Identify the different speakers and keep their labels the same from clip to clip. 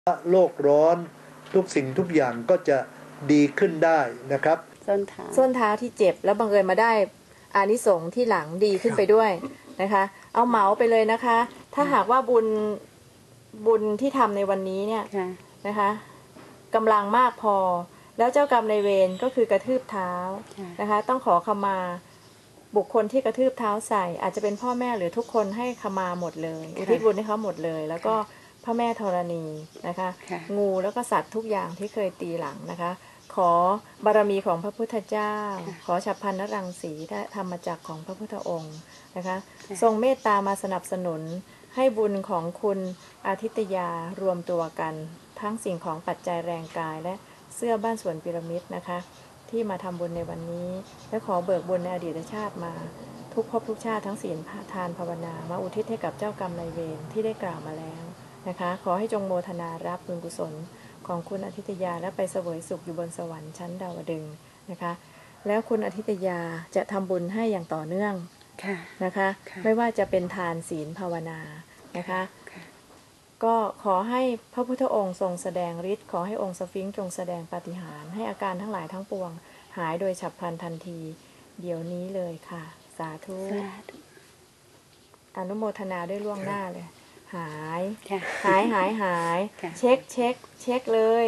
Speaker 1: โลกร้อนทุกสิ่งทุกอย่างก็จะดีขึ้นได้นะครับ
Speaker 2: ส้นเท้าที่เจ็บแล้วบังเอิญมาได้อานิสงส์ที่หลังดีขึ้นไปด้วยนะคะเอาเหมาไปเลยนะคะถ้าหากว่าบุญที่ทำในวันนี้เนี่ยนะคะกำลังมากพอแล้วเจ้ากรรมนายเวรก็คือกระทืบเท้านะคะต้องขอขมาบุคคลที่กระทืบเท้าใส่อาจจะเป็นพ่อแม่หรือทุกคนให้ขมาหมดเลยอุทิศบุญให้เขาหมดเลยแล้วก็พระแม่ธรณีนะคะงูแล้วก็สัตว์ทุกอย่างที่เคยตีหลังนะคะขอบารมีของพระพุทธเจ้าขอฉัพพนรังสีและธรรมจักรของพระพุทธองค์นะคะทรงเมตตามาสนับสนุนให้บุญของคุณอาทิตยารวมตัวกันทั้งสิ่งของปัจจัยแรงกายและเสื้อบ้านสวนพีระมิดนะคะที่มาทำบุญในวันนี้และขอเบิกบุญในอดีตชาติมาทุกภพทุกชาติทั้งศีลทานภาวนามาอุทิศให้กับเจ้ากรรมนายเวรที่ได้กล่าวมาแล้วนะคะขอให้จงโมทนารับบุญกุศลของคุณอาทิตยาและไปเสวยสุขอยู่บนสวรรค์ชั้นดาวดึงส์นะคะแล้วคุณอาทิตยาจะทำบุญให้อย่างต่อเนื่องนะคะไม่ว่าจะเป็นทานศีลภาวนานะคะก็ขอให้พระพุทธองค์ทรงแสดงฤทธิ์ขอให้องค์สฟิงค์จงแสดงปาฏิหาริย์ให้อาการทั้งหลายทั้งปวงหายโดยฉับพลันทันทีเดี๋ยวนี้เลยค่ะสาธุอนุโมทนาด้วยล่วงหน้าเลยหายเช็คเลย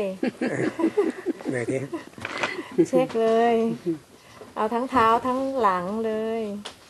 Speaker 2: เช็คเลยเอาทั้งเท้าทั้งหลังเลย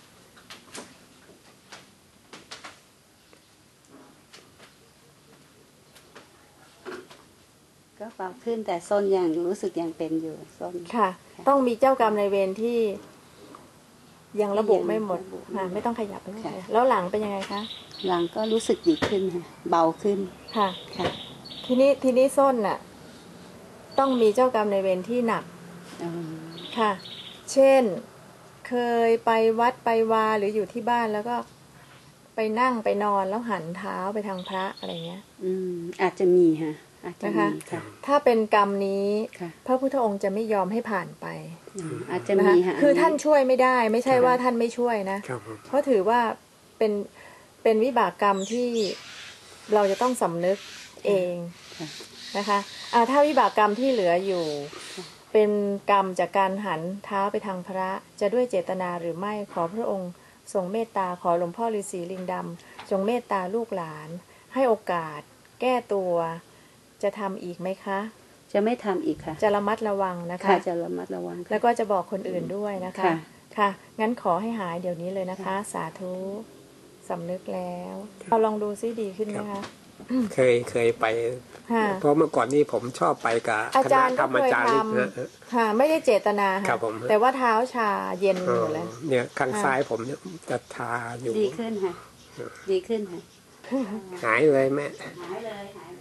Speaker 3: ก็เบาขึ้นแต่ส้นยังรู้สึกยังเป็นอยู่ส้น
Speaker 2: ค่ะต้องมีเจ้ากรรมนายเวรที่ยังระบุไม่หมดไม่ต้องขยับไปแล้วหลังเป็นยังไงคะ
Speaker 3: หลังก็รู้สึกดีขึ้นค่ะเบาขึ้น
Speaker 2: ค่ะทีนี้ส้นน่ะต้องมีเจ้ากรรมนายเวรที่หนักค่ะเช่นเคยไปวัดไปวาหรืออยู่ที่บ้านแล้วก็ไปนั่งไปนอนแล้วหันเท้าไปทางพระอะไรเงี้ย
Speaker 3: อาจจะมีค่ะ
Speaker 2: นะคะถ้าเป็นกรรมนี้พระพุทธองค์จะไม่ยอมให้ผ่านไป
Speaker 3: อาจจะมีค่ะ
Speaker 2: คือท่านช่วยไม่ได้ไม่ใช่ว่าท่านไม่ช่วยนะเพราะถือว่าเป็นวิบากกรรมที่เราจะต้องสำนึกเองนะคะถ้าวิบากกรรมที่เหลืออยู่เป็นกรรมจากการหันเท้าไปทางพระจะด้วยเจตนาหรือไม่ขอพระองค์ทรงเมตตาขอหลวงพ่อฤาษีลิงดำจงเมตตาลูกหลานให้โอกาสแก้ตัวจะทำอีกไหมคะ
Speaker 3: จะไม่ทำอีกค่ะ
Speaker 2: จะระมัดระวังนะคะ
Speaker 3: จะระมัดระวัง
Speaker 2: แล้วก็จะบอกคนอื่นด้วยนะคะค่ะงั้นขอให้หายเดี๋ยวนี้เลยนะคะสาธุสำนึกแล้วเราลองดูซิดีขึ้นไหมคะ
Speaker 4: เคยไปเพราะเมื่อก่อนนี้ผมชอบไปกับคณะธรรมจาริกนะ
Speaker 2: ค่ะไม่ได้เจตนาค่ะแต่ว่าเท้าชาเย็นอยู่เลย
Speaker 4: เนี่ยข้างซ้ายผมเนี่ยจะทาอยู่
Speaker 3: ดีขึ้นค่ะดีขึ้นค่ะ
Speaker 4: หายเลยแม่
Speaker 3: หายเลย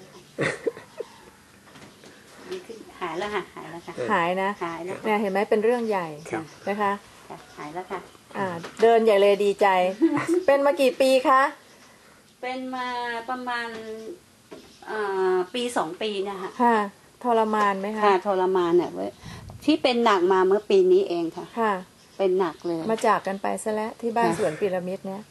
Speaker 3: ดีขึ้นหายแล้วค่ะหายแล้วค่ะ
Speaker 2: หายนะเนี่ยเห็นไหมเป็นเรื่องใหญ่นะคะ
Speaker 3: หายแล้วค่ะ
Speaker 2: เดินใหญ่เลยดีใจเป็นมากี่ปีคะ
Speaker 3: เป็นมาประมาณปี2 ปีนะคะ
Speaker 2: ค่ะทรมานไหมคะ
Speaker 3: ค่ะทรมานเนี่ยที่เป็นหนักมาเมื่อปีนี้เองค่ะ
Speaker 2: ค่ะ
Speaker 3: เป็นหนักเลย
Speaker 2: มาจากกันไปซะแล้วที่บ้านสวนพีระมิดเนี่ย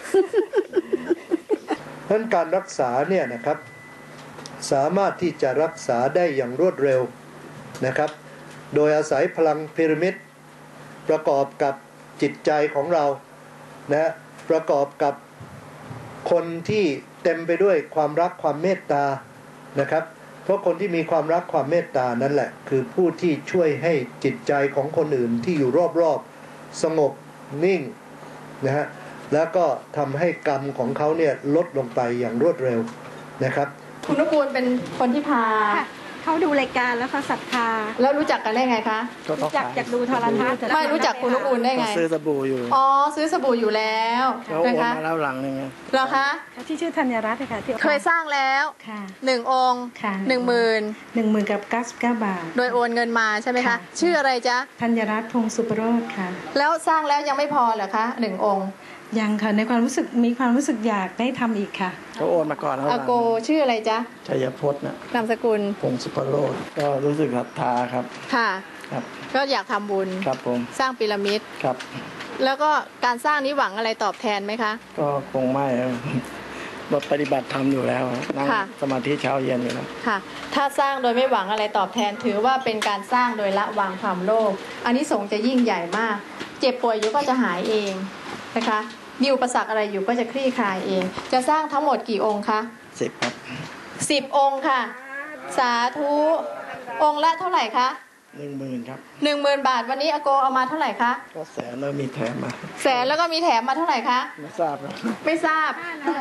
Speaker 1: เพราะการรักษาเนี่ยนะครับสามารถที่จะรักษาได้อย่างรวดเร็วนะครับโดยอาศัยพลังพีระมิดประกอบกับจิตใจของเรานะประกอบกับคนที่เต็มไปด้วยความรักความเมตตานะครับเพราะคนที่มีความรักความเมตตานั่นแหละคือผู้ที่ช่วยให้จิตใจของคนอื่นที่อยู่รอบๆสงบนิ่งนะฮะแล้วก็ทำให้กรรมของเขาเนี่ยลดลงไปอย่างรวดเร็วนะครับ
Speaker 2: คุณนุกูลเป็นคนที่พา
Speaker 5: เขาดูรายการแล้วเขาศรัทธา
Speaker 2: แล้วรู้จักกันได้ไงคะ
Speaker 5: รู้จักจากดูโทรทัศน์
Speaker 2: ไม่รู้จักคุณนุกูลได้ไง
Speaker 6: ซื้อสบู่อยู่
Speaker 2: ซื้อสบู่อยู่แล้ว
Speaker 6: นะคะโอนมาแล้วหลังนึง
Speaker 2: เหรอคะ
Speaker 5: ที่ชื่อธัญรัตน์ค่ะที่
Speaker 2: เคยสร้างแล้ว1 องค์10,000
Speaker 5: กับ99 บาท
Speaker 2: โดยโอนเงินมาใช่ไหมคะชื่ออะไรจ๊ะ
Speaker 5: ธัญรัตน์พงศ์สุปโรจน์ค่ะ
Speaker 2: แล้วสร้างแล้วยังไม่พอเหรอคะ1 องค์
Speaker 5: ยังค่ะในความรู้สึกมีความรู้สึกอยากได้ทำอีกค่ะ
Speaker 6: เขาโอนมาก่อนแล้ว
Speaker 2: อาโกชื่ออะไรจ๊ะ
Speaker 6: ชัยพจน์นะ
Speaker 2: นามสกุล
Speaker 6: พงศ์สุปโรจน์ก็รู้สึกศรัทธาครับ
Speaker 2: ค่ะครับก็อยากทำบุญ
Speaker 6: ครับผม
Speaker 2: สร้างพีระมิด
Speaker 6: ครับ
Speaker 2: แล้วก็การสร้างนี้หวังอะไรตอบแทนไหมคะ
Speaker 6: ก็คงไม่ปฏิบัติธรรมอยู่แล้วนั่งสมาธิเช้าเย็นอยู่แล้ว
Speaker 2: ค่ะถ้าสร้างโดยไม่หวังอะไรตอบแทนถือว่าเป็นการสร้างโดยละวางความโลภอานิสงส์จะยิ่งใหญ่มากเจ็บป่วยอยู่ก็จะหายเองนะคะมีอุปสรรคอะไรอยู่ก็จะคลี่คลายเองจะสร้างทั้งหมดกี่องค์คะ
Speaker 6: 10ครับ
Speaker 2: 10 องค์ค่ะสาธุองค์ละเท่าไหร่คะ
Speaker 6: 10,000ครับ
Speaker 2: 10,000 บาทวันนี้อาโกเอามาเท่าไหร่คะ
Speaker 6: ก็แสนแล้วมีแถมมา
Speaker 2: แสนแล้วก็มีแถมมาเท่าไหร่คะ
Speaker 6: ไม่ทราบ
Speaker 2: ไม่ทราบ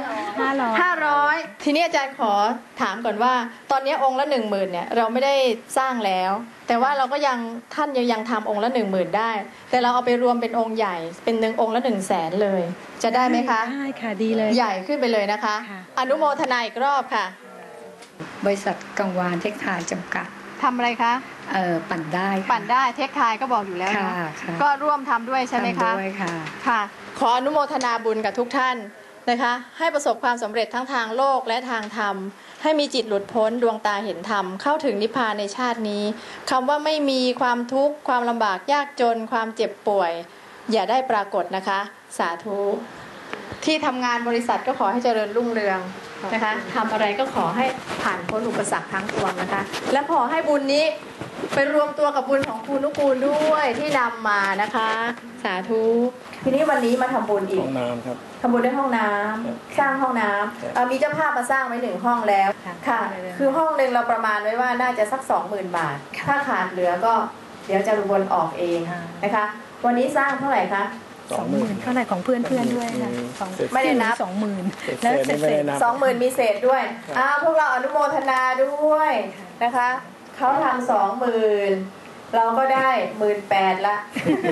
Speaker 2: 500ทีนี้อาจารย์ขอถามก่อนว่าตอนนี้องค์ละ10,000เนี่ยเราไม่ได้สร้างแล้วแต่ว่าเราก็ยังท่านยังทำองค์ละ10,000ได้แต่เราเอาไปรวมเป็นองค์ใหญ่เป็นองค์ละ100,000เลยจะได้ไหมคะ
Speaker 5: ได้ค่ะดีเลย
Speaker 2: ใหญ่ขึ้นไปเลยนะคะอนุโมทนาอีกรอบค่ะ
Speaker 7: บริษัทกังวานเทคไทยจำกัด
Speaker 2: ทำอะไรคะ
Speaker 7: ปั่นได้
Speaker 2: เทคไทยก็บอกอยู่แล้วนะก็ร่วมทำด้วยใช่ไหมคะ
Speaker 7: ทำด้วยค่ะ
Speaker 2: ค่ะขออนุโมทนาบุญกับทุกท่านนะคะให้ประสบความสำเร็จทั้งทางโลกและทางธรรมให้มีจิตหลุดพ้นดวงตาเห็นธรรมเข้าถึงนิพพานในชาตินี้คำว่าไม่มีความทุกข์ความลำบากยากจนความเจ็บป่วยอย่าได้ปรากฏนะคะสาธุที่ทำงานบริษัทก็ขอให้เจริญรุ่งเรืองนะคะทำอะไรก็ขอให้ผ่านพ้นอุปสรรคทั้งปวงนะคะและขอให้บุญนี้ไปรวมตัวกับบุญของครูนุกูลด้วยที่นำมานะคะสาธุทีนี้วันนี้มาทำบุญอีก
Speaker 6: ห้องน้ำครับ
Speaker 2: ทำบุญด้วยห้องน้ำสร้างห้องน้ำมีเจ้าภาพมาสร้างไว้1 ห้องแล้วค่ะคือห้องนึงเราประมาณไว้ว่าน่าจะสัก 20,000 บาทถ้าขาดเหลือก็เดี๋ยวจะวนออกเองนะคะวันนี้สร้างเท่าไหร่คะ
Speaker 5: 20,000เท่าไหร่ของเพื่อนด้วยค่ะ
Speaker 2: ไม่ได้นับ
Speaker 5: 20,000แล้วเศษ
Speaker 2: 20,000มีเศษด้วยพวกเราอนุโมทนาด้วยนะคะเขาทำ20,000เราก็ได้18,000ละ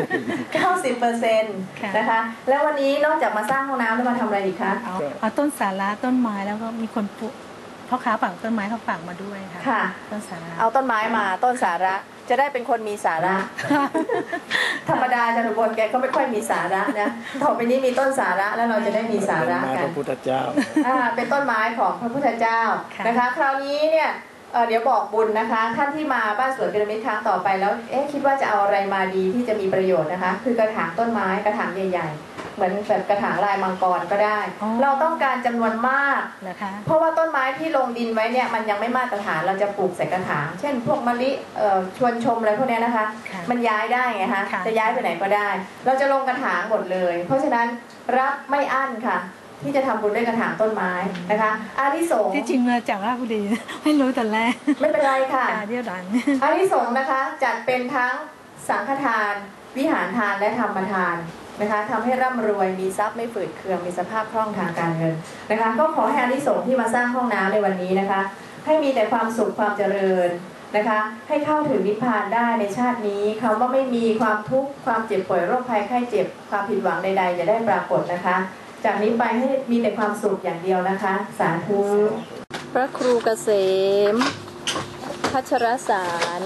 Speaker 2: 90%นะคะแล้ววันนี้นอกจากมาสร้างห้องน้ำแล้วมาทำอะไรอีกคะ
Speaker 5: เอาต้นสาระต้นไม้แล้วก็มีคนปลูกพ่อค้าฝากต้นไม้เขาฝากมาด้วย
Speaker 2: ค่ะ
Speaker 5: ต้นสาระ
Speaker 2: เอาต้นไม้มาต้นสาระจะได้เป็นคนมีสาระธรรมดาจะหนุบนแกก็ไม่ค่อยมีสาระนะต่อไปนี้มีต้นสาระแล้วเราจะได้มีสาระกัน
Speaker 6: พระพุทธเจ้า
Speaker 2: เป็นต้นไม้ของพระพุทธเจ้านะคะคราวนี้เนี่ยเดี๋ยวบอกบุญนะคะท่านที่มาบ้านสวนพีระมิดครั้งต่อไปแล้วคิดว่าจะเอาอะไรมาดีที่จะมีประโยชน์นะคะคือกระถางต้นไม้กระถางใหญ่ๆเหมือนแบบกระถางลายมังกรก็ได้เราต้องการจำนวนมาก
Speaker 5: นะคะ
Speaker 2: เพราะว่าต้นไม้ที่ลงดินไว้เนี่ยมันยังไม่มาตรฐานเราจะปลูกใส่กระถางเช่นพวกมะลิชวนชมอะไรพวกนี้นะคะมันย้ายได้ไงคะจะย้ายไปไหนก็ได้เราจะลงกระถางหมดเลยเพราะฉะนั้นรับไม่อั้นค่ะที่จะทำบุญด้วยกระถางต้นไม้นะคะอานิสงส์
Speaker 5: ที่จริงมาจากราชบุรีไม่รู้แต่แรก
Speaker 2: ไม่เป็นไรค่ะ
Speaker 5: เดี๋ยวดัง
Speaker 2: อานิสงส์นะคะจัดเป็นทั้งสังฆทานวิหารทานและธรรมทานนะคะทำให้ร่ำรวยมีทรัพย์ไม่ฝืดเคืองมีสภาพคล่องทางการเงินนะคะก็ขอให้อานิสงส์ที่มาสร้างห้องน้ำในวันนี้นะคะให้มีแต่ความสุขความเจริญนะคะให้เข้าถึงนิพพานได้ในชาตินี้คำว่าไม่มีความทุกข์ความเจ็บป่วยโรคภัยไข้เจ็บความผิดหวังใดๆอย่าได้ปรากฏนะคะจากนี้ไปให้มีแต่ความสุขอย่างเดียวนะคะสาธุพระครูเกษมพัชรสาร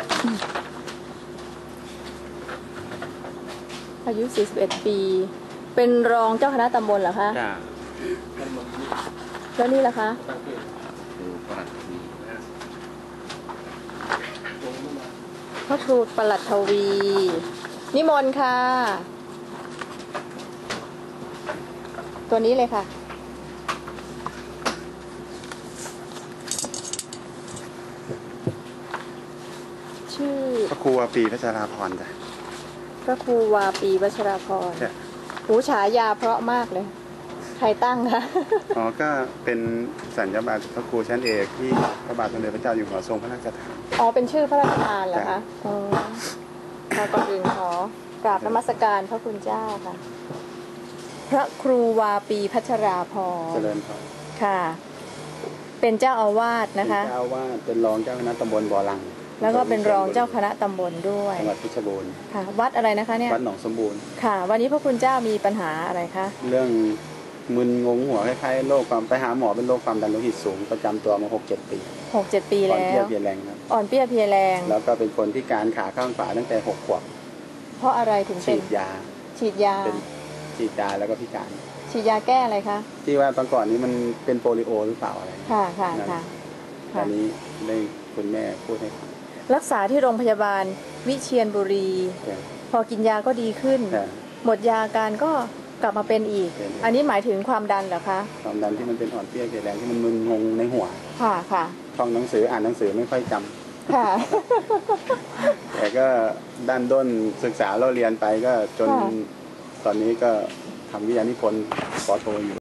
Speaker 2: อายุ41 ปีเป็นรองเจ้าคณะตำบลเหรอคะแล้วนี่ล่ะคะพระครูปลัดทวีนิมนต์ค่ะตัวนี้เลยค่ะชื่อ
Speaker 8: พระครูวาปีพัชราพรจ้ะ
Speaker 2: พระครูวาปีพัชราพรหูฉายาเพราะมากเลยใครตั้งคะ
Speaker 8: ก็เป็นสัญญาบัตรพระครูชั้นเอกที่พระบาทสมเด็จพระเจ้าอยู่หัวทรงพระราชทาน
Speaker 2: เป็นชื่อพระราชทานเหรอคะก่อนอื่นขอกราบนมัสการพระคุณเจ้าค่ะพระครูวาปีพัชราพรเจริญพรค่ะเป็นเจ้าอาวาสนะคะ
Speaker 8: เจ้าอาวาสเป็นรองเจ้าคณะตำบลบ่อลัง
Speaker 2: แล้วก็เป็นรองเจ้าคณะตำบลด้วย
Speaker 8: จังหวัดเพชรบูรณ์
Speaker 2: ค่ะวัดอะไรนะคะเนี่ย
Speaker 8: วัดหนองสมบูรณ์
Speaker 2: ค่ะวันนี้พระคุณเจ้ามีปัญหาอะไรคะ
Speaker 8: เรื่องมึนงงหัวคล้ายๆโรคความไปหาหมอเป็นโรคความดันโลหิตสูงประจำตัวมา 6-7 ปี
Speaker 2: แล้ว
Speaker 8: อ่อนเปรี้ยเพลียแรงครับ
Speaker 2: อ่อนเปรี้ยเพลียแรง
Speaker 8: แล้วก็เป็นคนที่การขาข้างขวาตั้งแต่6 ขวบ
Speaker 2: เพราะอะไรถึงเป็นฉีดยา
Speaker 8: แล้วก็พิการ
Speaker 2: ฉีดยาแก้อะไรคะ
Speaker 8: ที่ว่าตอนก่อนนี้มันเป็นโปลิโอหรือเปล่าอะไร
Speaker 2: ค่ะ
Speaker 8: ตอนนี้ได้คุณแม่พูดให้
Speaker 2: รักษาที่โรงพยาบาลวิเชียรบุรีพอกินยาก็ดีขึ้นหมดยาการก็กลับมาเป็นอีก อันนี้หมายถึงความดันเหรอคะ
Speaker 8: ความดันที่มันเป็นอ่อนเพลียเกลียดแรงที่มันมึนงงในหัว
Speaker 2: ค่ะค่ะ
Speaker 8: ท่องหนังสืออ่านหนังสือไม่ค่อยจำ
Speaker 2: ค่ะ
Speaker 8: แต่ก็ด้านด้นศึกษาเราเรียนไปก็จนตอนนี้ก็ทำวิทยานิพนธ์ป.โทอยู่